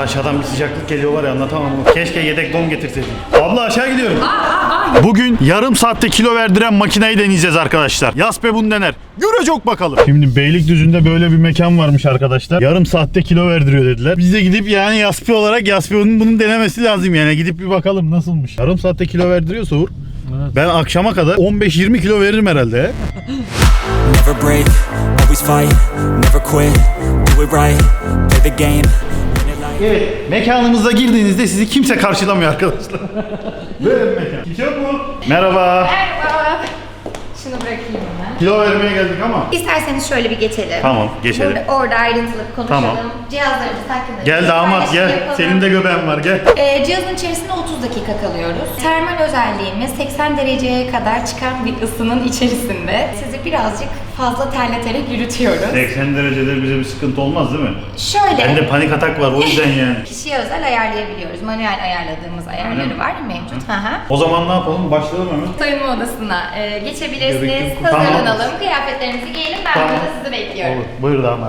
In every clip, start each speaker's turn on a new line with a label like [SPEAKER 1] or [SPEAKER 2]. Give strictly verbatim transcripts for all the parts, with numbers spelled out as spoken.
[SPEAKER 1] aşağıdan bir sıcaklık geliyor var ya, anlatamam. Keşke yedek don getirseydim. Abla aşağı gidiyorum. Bugün yarım saatte kilo verdiren makineyi deneyeceğiz arkadaşlar. Yaspe bunu dener. Görecek bakalım. Şimdi Beylikdüzü'nde böyle bir mekan varmış arkadaşlar. Yarım saatte kilo verdiriyor dediler. Biz de gidip yani Yaspe olarak Yaspe'nin bunun denemesi lazım yani. Gidip bir bakalım nasılmış. Yarım saatte kilo verdiriyorsa Uğur. Evet. Ben akşama kadar on beş yirmi kilo veririm herhalde.
[SPEAKER 2] Never break, always fight, never quit, do it right, play the game.
[SPEAKER 1] Evet, mekanımıza girdiğinizde sizi kimse karşılamıyor arkadaşlar. Böyle bir mekan. Kimse yok mu? Merhaba.
[SPEAKER 3] Merhaba. Şunu bırakayım ben.
[SPEAKER 1] Kilo vermeye geldik ama.
[SPEAKER 3] İsterseniz şöyle bir geçelim.
[SPEAKER 1] Tamam, geçelim.
[SPEAKER 3] Burada, orada ayrıntılı bir konuşalım.
[SPEAKER 1] Tamam.
[SPEAKER 3] Cihazlarımız hakkında.
[SPEAKER 1] Gel damat gel.
[SPEAKER 3] Yapalım.
[SPEAKER 1] Senin de göbeğin var gel.
[SPEAKER 3] Ee, cihazın içerisinde otuz dakika kalıyoruz. Termal özelliğimiz seksen dereceye kadar çıkan bir ısının içerisinde sizi birazcık fazla terleterek yürütüyoruz.
[SPEAKER 1] seksen derecede bize bir sıkıntı olmaz değil mi?
[SPEAKER 3] Şöyle.
[SPEAKER 1] Bende panik atak var o yüzden yani.
[SPEAKER 3] Kişiye özel ayarlayabiliyoruz. Manuel ayarladığımız ayarları var mevcut. Hı hı.
[SPEAKER 1] O zaman ne yapalım? Başlayalım hemen.
[SPEAKER 3] Soyunma odasına e, geçebilirsiniz.
[SPEAKER 1] Gerekli-
[SPEAKER 3] Hazırlanalım.
[SPEAKER 1] Tamam.
[SPEAKER 3] Kıyafetlerimizi giyelim. Ben
[SPEAKER 1] Tamam.
[SPEAKER 3] burada sizi bekliyorum.
[SPEAKER 1] Olur. Buyur damat.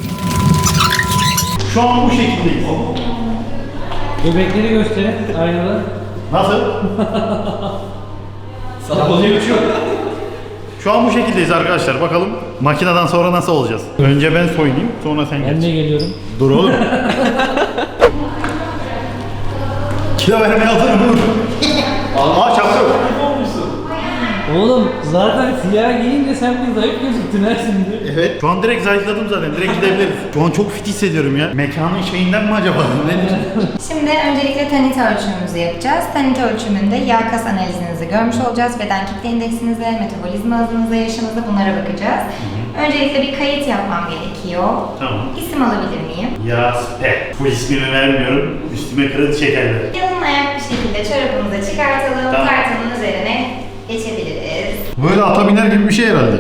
[SPEAKER 1] Şu an bu şekildeyiz.
[SPEAKER 4] Göbekleri gösterin aynada.
[SPEAKER 1] Nasıl? Şu an bu şekildeyiz arkadaşlar. Bakalım makineden sonra nasıl olacağız? Önce ben soyunayım, sonra sen
[SPEAKER 4] Ben
[SPEAKER 1] geç.
[SPEAKER 4] de geliyorum.
[SPEAKER 1] Dur oğlum. Kilo vermeye hazırım dur. Aa çapkın.
[SPEAKER 4] Oğlum zaten siyah giyince sen bir zayıf gözüktün ha şimdi.
[SPEAKER 1] Evet. Şu an direkt zayıfladım zaten. Direkt gidebiliriz. Şu an çok fit hissediyorum ya. Mekanın şeyinden mi acaba? Nedir?
[SPEAKER 3] Şimdi öncelikle tanit ölçümümüzü yapacağız. Tanit ölçümünde yağ kas analizinizi görmüş olacağız. Beden kitle indeksinize, metabolizma hızınıza, yaşınıza bunlara bakacağız. Öncelikle bir kayıt yapmam gerekiyor.
[SPEAKER 1] Tamam.
[SPEAKER 3] İsim alabilir miyim?
[SPEAKER 1] Yaspe. Bu ismini vermiyorum. Üstüme kredi çekerler.
[SPEAKER 3] Yalın ayak bir şekilde çorabımızı çıkartalım.
[SPEAKER 1] Tamam.
[SPEAKER 3] Kartının üzerine geçebiliriz.
[SPEAKER 1] Böyle ata biner gibi bir şey herhalde.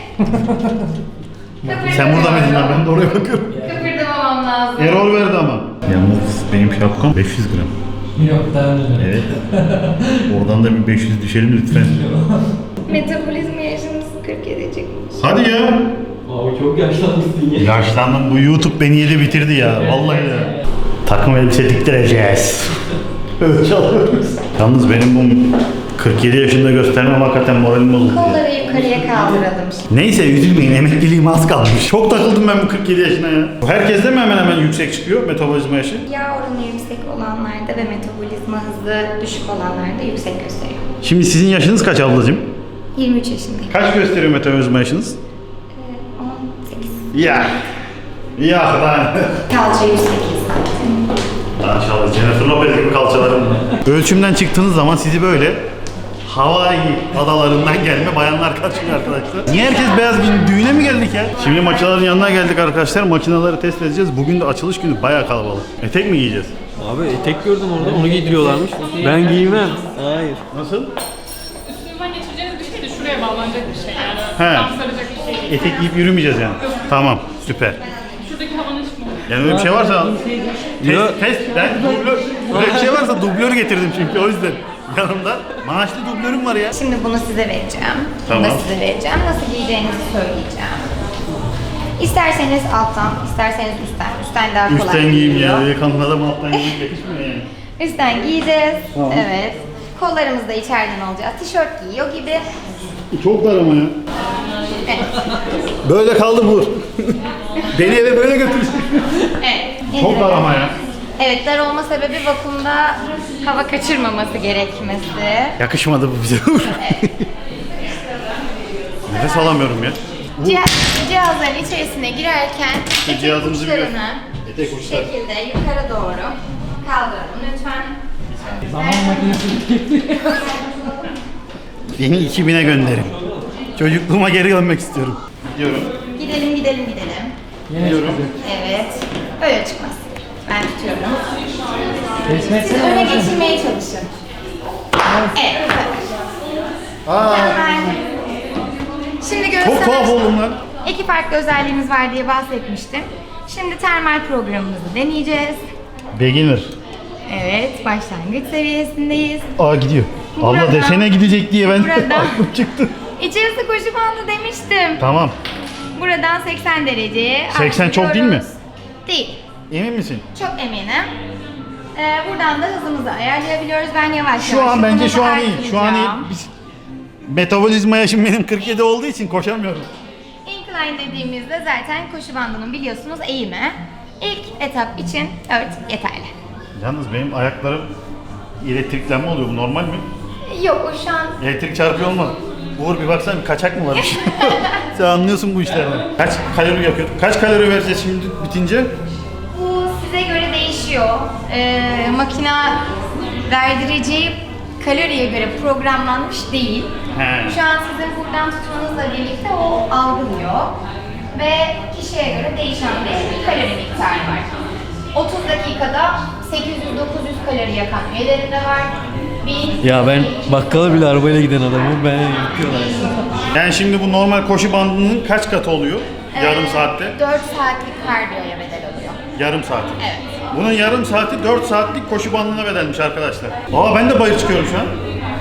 [SPEAKER 1] Sen burada mıydın lan? Ben de oraya bakıyorum.
[SPEAKER 3] Kıpırdamamam lazım.
[SPEAKER 1] Error verdi ama. Yalnız benim şapkam beş yüz gram.
[SPEAKER 4] Yok daha önce.
[SPEAKER 1] Evet. Oradan da bir beş yüz düşelim lütfen.
[SPEAKER 3] Metabolizma yaşınız kırk yedi çıkmış.
[SPEAKER 1] Hadi ya.
[SPEAKER 4] Abi çok yaşlanmışsın ya.
[SPEAKER 1] Yaşlandım. Bu YouTube beni yedi bitirdi ya. Vallahi ya. Takım elbise diktireceğiz. Ölçü alıyoruz. Yalnız benim bu kırk yedi yaşında göstermem hakikaten moralim bozuldu.
[SPEAKER 3] Kolları yukarıya kaldıralım şimdi.
[SPEAKER 1] Neyse üzülmeyin, emekliliğim az kalmış. Çok takıldım ben bu kırk yedi yaşına ya. Herkeste mi hemen hemen yüksek çıkıyor metabolizma yaşı?
[SPEAKER 3] Yağ oranı yüksek olanlarda ve metabolizma hızı düşük olanlarda yüksek gösteriyor.
[SPEAKER 1] Şimdi sizin yaşınız kaç ablacığım?
[SPEAKER 3] yirmi üç yaşındayım.
[SPEAKER 1] Kaç gösteriyor metabolizma yaşınız?
[SPEAKER 3] Ee, on sekiz.
[SPEAKER 1] Ya. Ya lan.
[SPEAKER 3] Kalça yüz sekiz santim.
[SPEAKER 1] Maşallah Jennifer Lopez gibi kalçalarım var. Ölçümden çıktığınız zaman sizi böyle Hawaii adalarından gelme bayanlar karşılıyor arkadaşlar. Niye herkes beyaz giyindi? Düğüne mi geldik ya? Şimdi makinelerin yanına geldik arkadaşlar. Makineleri test edeceğiz. Bugün de açılış günü bayağı kalabalık. Etek mi giyeceğiz?
[SPEAKER 5] Abi etek gördüm orada, onu giydiriyorlarmış. Ben giymem. Hayır.
[SPEAKER 1] Nasıl?
[SPEAKER 6] Üstünden geçireceğiniz bir şey de şuraya bağlanacak bir şey yani.
[SPEAKER 1] He.
[SPEAKER 6] Tam saracak bir şey değil.
[SPEAKER 1] Etek giyip yürümeyeceğiz yani. Tamam, süper.
[SPEAKER 6] Şuradaki havanın çıkma.
[SPEAKER 1] Yani öyle bir şey varsa
[SPEAKER 5] Yok.
[SPEAKER 1] test, test, ben dublör, öyle bir şey varsa dublör getirdim çünkü o yüzden. Yanımda maaşlı dublörüm var ya.
[SPEAKER 3] Şimdi bunu size vereceğim. Bunu
[SPEAKER 1] Tamam.
[SPEAKER 3] da size vereceğim. Nasıl giyeceğinizi söyleyeceğim. İsterseniz alttan, isterseniz üstten. Üstten daha kolay
[SPEAKER 1] Üstten giyeyim
[SPEAKER 3] giyiliyor.
[SPEAKER 1] ya. Yakanın adam alttan giyip yakışmıyor yani.
[SPEAKER 3] Üstten giyeceğiz.
[SPEAKER 1] Tamam.
[SPEAKER 3] Evet. Kollarımız da içeriden olacak. Tişört giyiyor gibi.
[SPEAKER 1] Çok dar ama ya.
[SPEAKER 3] Evet.
[SPEAKER 1] Böyle kaldı bu. Beni eve böyle götürsün.
[SPEAKER 3] Evet.
[SPEAKER 1] Çok dar ama ya.
[SPEAKER 3] Evet, dar olma sebebi vakumda hava kaçırmaması gerekmesi.
[SPEAKER 1] Yakışmadı bu bize. Nefes alamıyorum ya.
[SPEAKER 3] Cihaz, cihazların içerisine girerken etek
[SPEAKER 1] cihazımızı bir
[SPEAKER 3] uçlarını
[SPEAKER 1] gör. Etek
[SPEAKER 3] şu
[SPEAKER 1] uçlar.
[SPEAKER 3] şekilde yukarı doğru kaldıralım lütfen.
[SPEAKER 4] Zaman makinesi.
[SPEAKER 1] Beni iki bine gönderin. Çocukluğuma geri dönmek istiyorum. Gidiyorum.
[SPEAKER 3] Gidelim gidelim gidelim.
[SPEAKER 1] Gidiyorum.
[SPEAKER 3] Evet. Öyle çıkmaz. Ben tutuyorum.
[SPEAKER 4] Resmen
[SPEAKER 3] Siz öne geçirmeye çalışın. Evet.
[SPEAKER 1] Aa,
[SPEAKER 3] Hemen. Şimdi
[SPEAKER 1] çok tuhaf
[SPEAKER 3] göğüslememiz-
[SPEAKER 1] oldum lan.
[SPEAKER 3] İki farklı özelliğimiz var diye bahsetmiştim. Şimdi termal programımızı deneyeceğiz.
[SPEAKER 1] Beginner.
[SPEAKER 3] Evet, başlangıç seviyesindeyiz.
[SPEAKER 1] Aa gidiyor. Abla
[SPEAKER 3] Burada-
[SPEAKER 1] desene gidecek diye ben
[SPEAKER 3] Burada-
[SPEAKER 1] aklım çıktı.
[SPEAKER 3] İçerisi koşu bandı demiştim.
[SPEAKER 1] Tamam.
[SPEAKER 3] Buradan seksen dereceye
[SPEAKER 1] seksen çok değil mi?
[SPEAKER 3] artırıyoruz. Değil.
[SPEAKER 1] Emin misin?
[SPEAKER 3] Çok eminim. Ee, buradan da hızımızı ayarlayabiliyoruz. Ben yavaş
[SPEAKER 1] Şu
[SPEAKER 3] yavaş
[SPEAKER 1] an bence
[SPEAKER 3] hızımızı
[SPEAKER 1] şu an iyi. Şu an iyi.
[SPEAKER 3] artıracağım.
[SPEAKER 1] Biz, metabolizma yaşım benim kırk yedi olduğu için koşamıyorum.
[SPEAKER 3] Incline dediğimizde zaten koşu bandının biliyorsunuz eğimi. İlk etap için dört yeterli.
[SPEAKER 1] Yalnız benim ayaklarım elektriklenme oluyor. Bu normal mi?
[SPEAKER 3] Yok o şu an
[SPEAKER 1] Elektrik çarpıyor olmadı. Uğur bir baksana bir kaçak mı varmış? Sen anlıyorsun bu işlerden. Kaç kalori yakıyor? Kaç kalori vereceğiz şimdi bitince?
[SPEAKER 3] bu size göre değişiyor. Ee, makina verdireceği kaloriye göre programlanmış değil.
[SPEAKER 1] He.
[SPEAKER 3] Şu an sizin buradan tutmanızla birlikte o algılıyor. Ve kişiye göre değişen bir kalori miktarı var. otuz dakikada sekiz yüz dokuz yüz kalori yakan üyeleri de var. bin
[SPEAKER 5] Ya ben bakkala bile arabayla giden adamım. Ben yapıyorlar.
[SPEAKER 1] Yani şimdi bu normal koşu bandının kaç katı oluyor? Yarım saatte?
[SPEAKER 3] dört saatlik kardiyoya bedel oluyor.
[SPEAKER 1] Yarım saati.
[SPEAKER 3] Evet.
[SPEAKER 1] Bunun yarım saati dört saatlik koşu bandına bedelmiş arkadaşlar. Aa ben de bayır çıkıyorum şu an.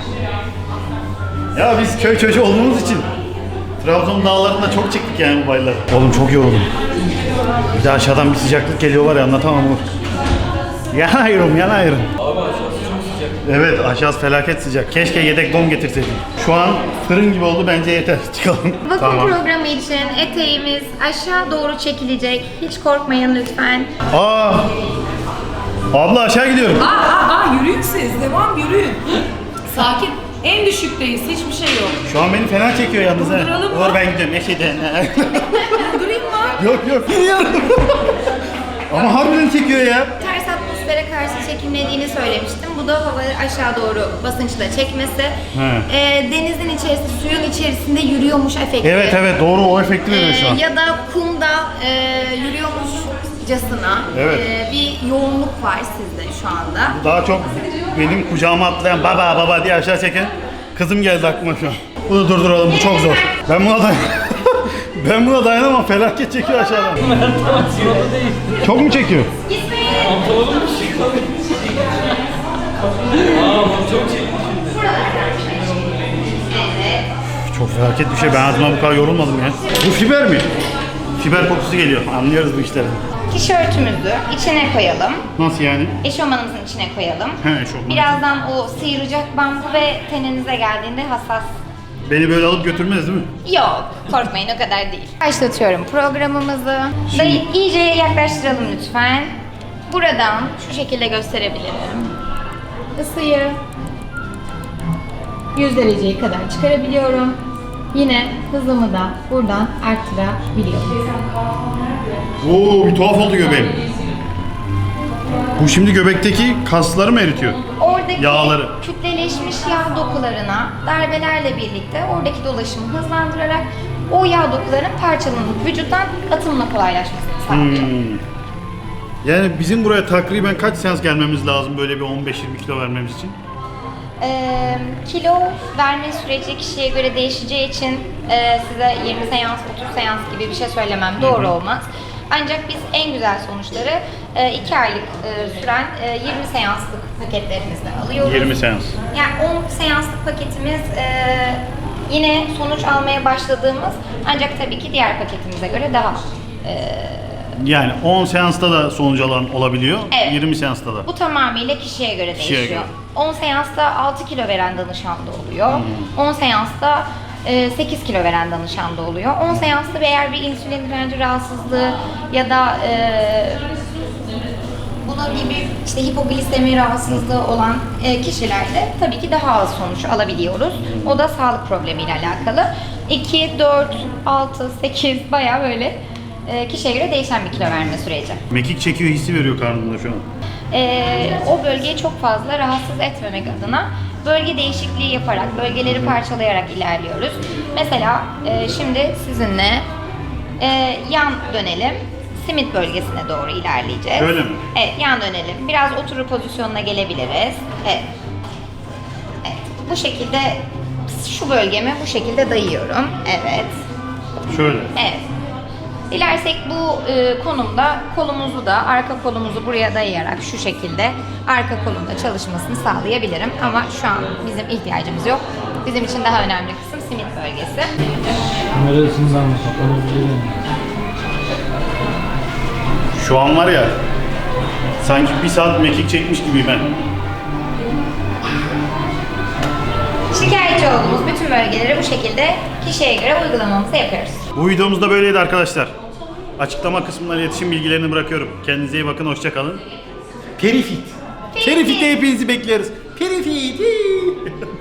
[SPEAKER 1] Ya biz köy çocuğu olduğumuz için Trabzon dağlarında çok çıktık yani bu bayırlara. Oğlum çok yoruldum. Bir de aşağıdan bir sıcaklık geliyor var ya anlatamam onu. Yanıyorum yanıyorum.
[SPEAKER 5] Abi aşağısı çok sıcak.
[SPEAKER 1] Evet aşağısı felaket sıcak. Keşke yedek don getirseydim. Şu an fırın gibi oldu bence yeter. Çıkalım.
[SPEAKER 3] Vakum programı için eteğimiz aşağı doğru çekilecek. Hiç korkmayın lütfen.
[SPEAKER 1] Aa! Abla aşağı gidiyorum.
[SPEAKER 7] Aa, aa, aa, yürüyün siz. Devam yürüyün. Sakin. En düşükteyiz. Hiçbir şey yok.
[SPEAKER 1] Şu an beni fena çekiyor yalnız ha.
[SPEAKER 7] Durduralım mı?
[SPEAKER 1] Uğur ben gidiyorum eşeden.
[SPEAKER 7] Durayım mı?
[SPEAKER 1] Yok yok gidiyorum. Ama harbiden çekiyor ya.
[SPEAKER 3] Ters atmosfere karşı çekimlediğini söylemiştim. Bu da havayı aşağı doğru basınçla çekmesi.
[SPEAKER 1] He.
[SPEAKER 3] Ee, denizin içerisinde, suyun içerisinde yürüyormuş efekti.
[SPEAKER 1] Evet evet doğru o efekti veriyor şu
[SPEAKER 3] Ee,
[SPEAKER 1] an.
[SPEAKER 3] ya da kumda e, yürüyormuşcasına
[SPEAKER 1] Evet.
[SPEAKER 3] e, bir yoğunluk var sizde şu anda.
[SPEAKER 1] Daha çok benim kucağıma atlayan baba baba diye aşağı çeken kızım geldi aklıma şu an. Bunu durduralım bu çok zor. Ben buna dayan Ben buna dayanamam felaket çekiyor aşağıdan.
[SPEAKER 4] Yolda değil.
[SPEAKER 1] Çok mu çekiyor?
[SPEAKER 3] Gitmeyin.
[SPEAKER 4] Pantolonum mu çıkıyor? Aa bu çok çekti şimdi.
[SPEAKER 3] Evet.
[SPEAKER 1] Çok felaket bir şey. Ben hayatımda bu kadar yorulmadım ya. Bu fiber mi? Fiber kokusu geliyor. Anlıyoruz bu işleri.
[SPEAKER 3] Tişörtümüzü içine koyalım.
[SPEAKER 1] Nasıl yani?
[SPEAKER 3] Eşofmanımızın içine koyalım.
[SPEAKER 1] He, eşofman.
[SPEAKER 3] Birazdan o sıyıracak bambu ve teninize geldiğinde hassas.
[SPEAKER 1] Beni böyle alıp götürmez değil mi?
[SPEAKER 3] Yok, korkmayın o kadar değil. Başlatıyorum programımızı. Dayı iyice yaklaştıralım lütfen. Buradan şu şekilde gösterebilirim. Isıyı yüz dereceye kadar çıkarabiliyorum. Yine hızımı da buradan arttırabiliyorum.
[SPEAKER 1] Oo bir tuhaf oldu göbeğim. Bu şimdi göbekteki kasları mı eritiyor?
[SPEAKER 3] Oradaki
[SPEAKER 1] Yağları.
[SPEAKER 3] kütleleşmiş yağ dokularına darbelerle birlikte oradaki dolaşımı hızlandırarak o yağ dokularının parçalanıp vücuttan atımla kolaylaşmasını sağlıyor.
[SPEAKER 1] Hmm. Yani bizim buraya takriben kaç seans gelmemiz lazım böyle bir on beş yirmi kilo vermemiz için?
[SPEAKER 3] Ee, kilo verme süreci kişiye göre değişeceği için e, size yirmi seans, otuz seans gibi bir şey söylemem doğru olmaz. Ancak biz en güzel sonuçları e, iki aylık e, süren e, yirmi seanslık paketlerimizden alıyoruz.
[SPEAKER 1] yirmi seans.
[SPEAKER 3] Yani on seanslık paketimiz e, yine sonuç almaya başladığımız ancak tabii ki diğer paketimize göre daha e,
[SPEAKER 1] Yani on seansta da sonuç alan olabiliyor,
[SPEAKER 3] Evet.
[SPEAKER 1] yirmi seansta da.
[SPEAKER 3] bu tamamıyla kişiye göre
[SPEAKER 1] Kişiye
[SPEAKER 3] değişiyor.
[SPEAKER 1] göre.
[SPEAKER 3] on seansta altı kilo veren danışan da oluyor. on seansta e, sekiz kilo veren danışan da oluyor. on seansta eğer bir insülin direnci rahatsızlığı ya da e, bunun gibi işte hipoglisemi rahatsızlığı olan e, kişilerde tabii ki daha az sonuç alabiliyoruz. O da sağlık problemiyle alakalı. iki, dört, altı, sekiz bayağı böyle e, kişiye göre değişen bir kilo verme süreci.
[SPEAKER 1] Mekik çekiyor hissi veriyor karnımda şu an.
[SPEAKER 3] Ee, o bölgeyi çok fazla rahatsız etmemek adına bölge değişikliği yaparak, bölgeleri parçalayarak ilerliyoruz. Mesela e, şimdi sizinle e, yan dönelim. Simit bölgesine doğru ilerleyeceğiz.
[SPEAKER 1] Öyle mi?
[SPEAKER 3] Evet, yan dönelim. Biraz oturur pozisyonuna gelebiliriz. Evet. Evet. Bu şekilde şu bölgemi bu şekilde dayıyorum. Evet.
[SPEAKER 1] Şöyle.
[SPEAKER 3] Evet. Dilersek bu e, konumda kolumuzu da, arka kolumuzu buraya dayayarak şu şekilde arka kolumda çalışmasını sağlayabilirim. Ama şu an bizim ihtiyacımız yok. Bizim için daha önemli kısım simit bölgesi.
[SPEAKER 4] Neresinde ama kapanabilirim.
[SPEAKER 1] Şu an var ya Sanki bir saat mekik çekmiş gibiyim ben.
[SPEAKER 3] Şikayetçi olduğumuz bütün bölgeleri bu şekilde kişiye göre uygulamamızı yapıyoruz.
[SPEAKER 1] Bu videomuz da böyleydi arkadaşlar. Açıklama kısmına iletişim bilgilerini bırakıyorum. Kendinize iyi bakın, hoşça kalın. Perifit. Perifit'e hepinizi bekleriz. Perifit.